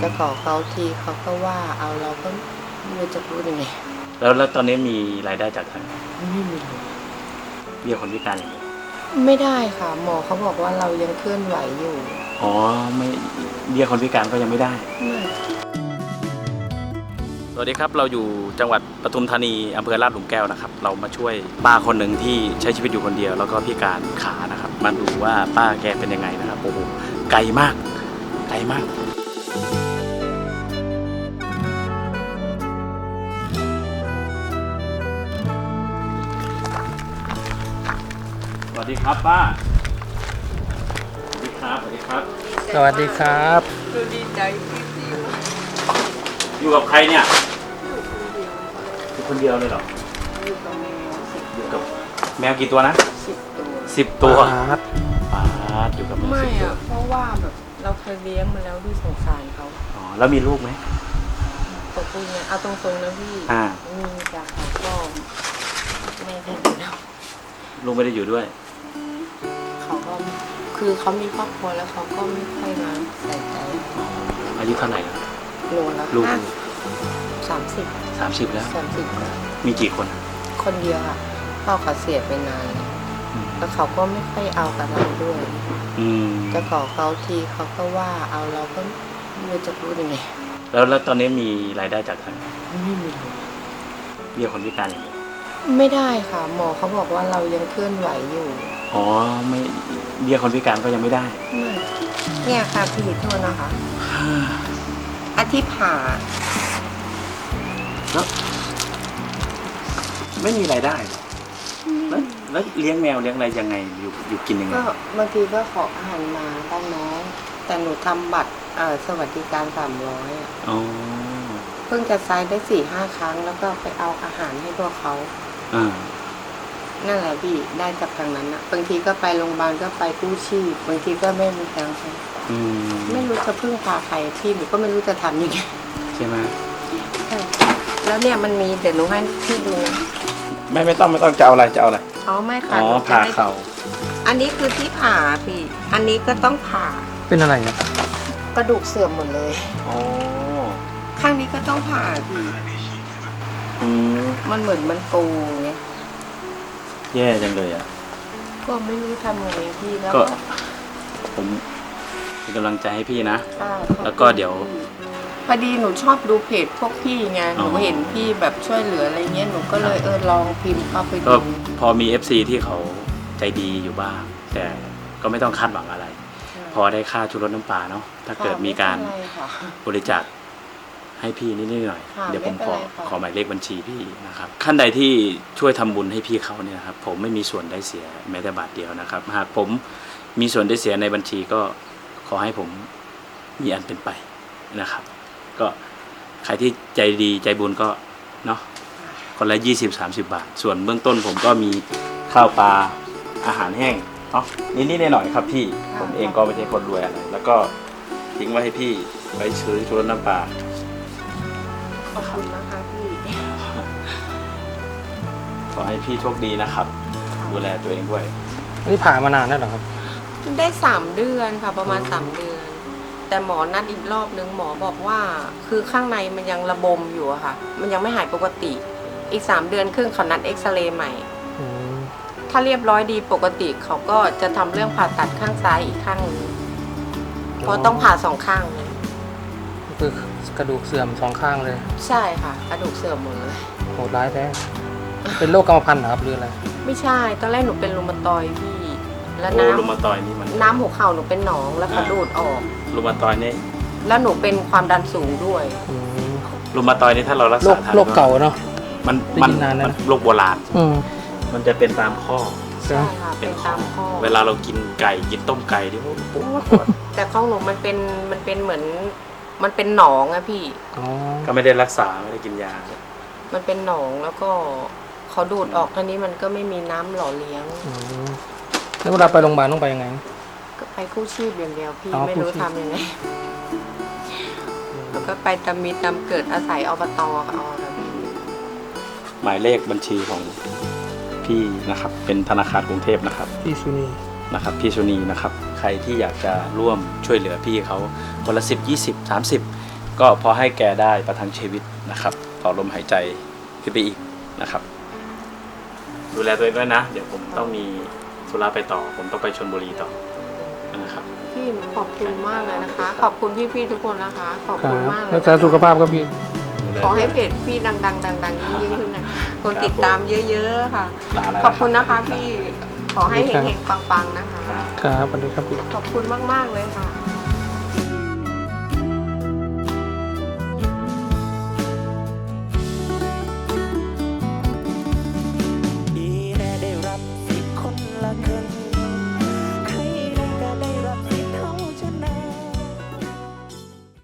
จะขอเขาทีเขาก็ว่าเอาเราก็ไม่รู้จะพูดยังไงแล้วตอนนี้มีรายได้จากทางไม่มีเลยเบี้ยคนพิการอย่างเดียวไม่ได้ค่ะหมอเขาบอกว่าเรายังเคลื่อนไหวอยู่อ๋อไม่เบี้ยคนพิการก็ยังไม่ได้สวัสดีครับเราอยู่จังหวัดปทุมธานีอำเภอลาดหลุมแก้วนะครับเรามาช่วยป้าคนหนึ่งที่ใช้ชีวิตอยู่คนเดียวแล้วก็พิการขานะครับมาดูว่าป้าแกเป็นยังไงนะครับโอ้โหไกลมากไกลมากสวัสดีครับป้าสวัสดีครับสวัสดีครับสวัสดีครับดูดีใจที่อยู่กับใครเนี่ยอยู่คนเดียวเลยเหรออยู่กับแมวอยู่กับแมวกี่ตัวนะ 10 ตัวป้าอยู่กับแมวไม่อะเพราะว่าแบบเราเคยเลี้ยงมาแล้วด้วยสงสารเขาอ๋อแล้วมีลูกไหมตกลงเนี่ยเอาตรงๆนะพี่มีจากเขาก็แม่ได้อยู่แล้วลูกไม่ได้อยู่ด้วยเขาก็คือเขามีครอบครัวแล้วเขาก็ไม่ค่อยมาใส่ใจอายุเท่าไหร่แล้วโลละลูก 30 แล้ว 30กว่ามีกี่คนคนเดียวค่ะพ่อเขาเสียไปนานแล้วเขาก็ไม่ค่อยเอากับเราด้วยจะขอเขาทีเขาก็ว่าเอาเราก็ไม่รู้จะพูดยังไงแล้วตอนนี้มีรายได้จากทางไม่มีเบี้ยคนพิการอย่างเดียวไม่ได้ค่ะหมอเขาบอกว่าเรายังเคลื่อนไหวอยู่อ๋อไม่เบี้ยคนพิการก็ยังไม่ได้เนี่ยค่ะพี่โทษนะคะอาทิตย์ผ่าแล้วไม่มีรายได้แล้วเลี้ยงแมวเลี้ยงอะไรยังไงอยู่กินยังไงก็บางทีก็ขออาหารมาบ้างน้องแต่หนูทำบัตรสวัสดิการ300 อ๋อเพิ่งจะไซด์ได้4-5 ครั้งแล้วก็ไปเอาอาหารให้พวกเขานั่นแหละพี่ได้จากทางนั้นนะบางทีก็ไปโรงพยาบาลก็ไปกู้ชีพบางทีก็ไม่มีตังค์ไม่รู้จะพึ่งพาใครพี่หนูก็ไม่รู้จะทำยังไงใช่ไหมแล้วเนี่ยมันมีเดี๋ยวหนูให้พี่ดูไม่ต้องจะเอาอะไรอ๋อไม่ค่ะผ่าเข่าอันนี้คือที่ผ่าพี่อันนี้ก็ต้องผ่าเป็นอะไรอ่ะกระดูกเสื่อมหมดเลยอ๋อข้างนี้ก็ต้องผ่าพี่มันเหมือนมันปูไงแย่จังเลยอ่ะก็ไม่รู้ทำยังไงพี่แล้วก็ผมเป็นกำลังใจให้พี่นะแล้วก็เดี๋ยวพอดีหนูชอบดูเพจพวกพี่ไงหนูเห็นพี่แบบช่วยเหลืออะไรเงี้ยหนูก็เลยลองพิมพ์เข้าไปดูพอมี FC ที่เขาใจดีอยู่บ้างแต่ก็ไม่ต้องคาดหวังอะไรพอได้ค่าชุดรถน้ำปลาเนาะถ้าเกิดมีการบริจาคให้พี่นิดหน่อยเดี๋ยวผมขอหมายเลขบัญชีพี่นะครับขั้นใดที่ช่วยทำบุญให้พี่เขาเนี่ยครับผมไม่มีส่วนได้เสียแม้แต่บาทเดียวนะครับหากผมมีส่วนได้เสียในบัญชีก็ขอให้ผมมีอันเป็นไปนะครับก็ใครที่ใจดีใจบุญก็เนาะคนละ20-30 บาทส่วนเบื้องต้นผมก็มีข้าวปลาอาหารแห้งเนาะนิดๆหน่อยๆครับพี่ผมเองก็ไม่ใช่คนรวยอะไรแล้วก็ทิ้งไว้ให้พี่ไปซื้อชุดน้ำปลาขอบคุณนะคะพี่ขอให้พี่โชคดีนะครับดูแลตัวเองด้วยนี่ผ่ามานานแล้วเหรอครับได้3 เดือนค่ะประมาณ3 เดือนแต่หมอนัดอีกรอบนึงหมอบอกว่าคือข้างในมันยังระบมอยู่อะค่ะมันยังไม่หายปกติอีก3 เดือนครึ่งเขานัดเอ็กซเรย์ใหม่ถ้าเรียบร้อยดีปกติเขาก็จะทำเรื่องผ่าตัดข้างซ้ายอีกข้างนึงเพราะต้องผ่า2 ข้างเลยคือกระดูกเสื่อม2 ข้างเลยใช่ค่ะกระดูกเสื่อมหมดเลยโหดร้ายแท้เป็นโรคกรรมพันธุ์เหรอครับหรืออะไรไม่ใช่ตอนแรกหนูเป็นรูมาตอยพี่แล้วรูมาตอยนี่มันน้ำหัวเข่าหนูเป็นหนองแล้วเขาดูดออกรูมาตอยนี่แล้วหนูเป็นความดันสูงด้วยรูมาตอยนี่ถ้าเรารักษาทันโรคเก่าเนาะมันโรคโบราณมันจะเป็นตามข้อใช่ค่ะเป็นตามข้อเวลาเรากินไก่กินต้มไก่ที่ปวดแต่ของหนูมันเป็นเหมือนมันเป็นหนองอะพี่ก็ไม่ได้รักษาไม่ได้กินยามันเป็นหนองแล้วก็เขาดูดออกทีนี้มันก็ไม่มีน้ำหล่อเลี้ยงแล้วเวลาไปโรงพยาบาลต้องไปยังไงก็ไปกู้ชีพอย่างเดียวพี่ไม่รู้ทำยังไงแล้วก็ไปตามมีตามเกิดอาศัยอบต.เอาหมายเลขบัญชีของพี่นะครับเป็นธนาคารกรุงเทพนะครับพี่สุนีนะครับพี่สุนีนะครับใครที่อยากจะร่วมช่วยเหลือพี่เขาคนละ10 20 30 ก็พอให้แกได้ประทังชีวิตนะครับต่อลมหายใจขึ้นไปอีกนะครับ ดูแลตัวเองด้วยนะ เดี๋ยวผมต้องมีธุระไปต่อ ผมต้องไปชลบุรีต่อนะครับพี่หนูขอบคุณมากเลยนะคะ ขอบคุณพี่ๆทุกคนนะคะ ขอบครัคุณบมากเลยรักษาสุขภาพครับพี่ขอให้เพจพี่ดังยิ่งขึ้นนะคนติดตามเยอะๆค่ะลาแล้วขอบคุณนะคะพี่ ขอให้เฮงๆปังๆนะคะครับสวัสดีครับพี่ขอบคุณมากๆเลยค่ะ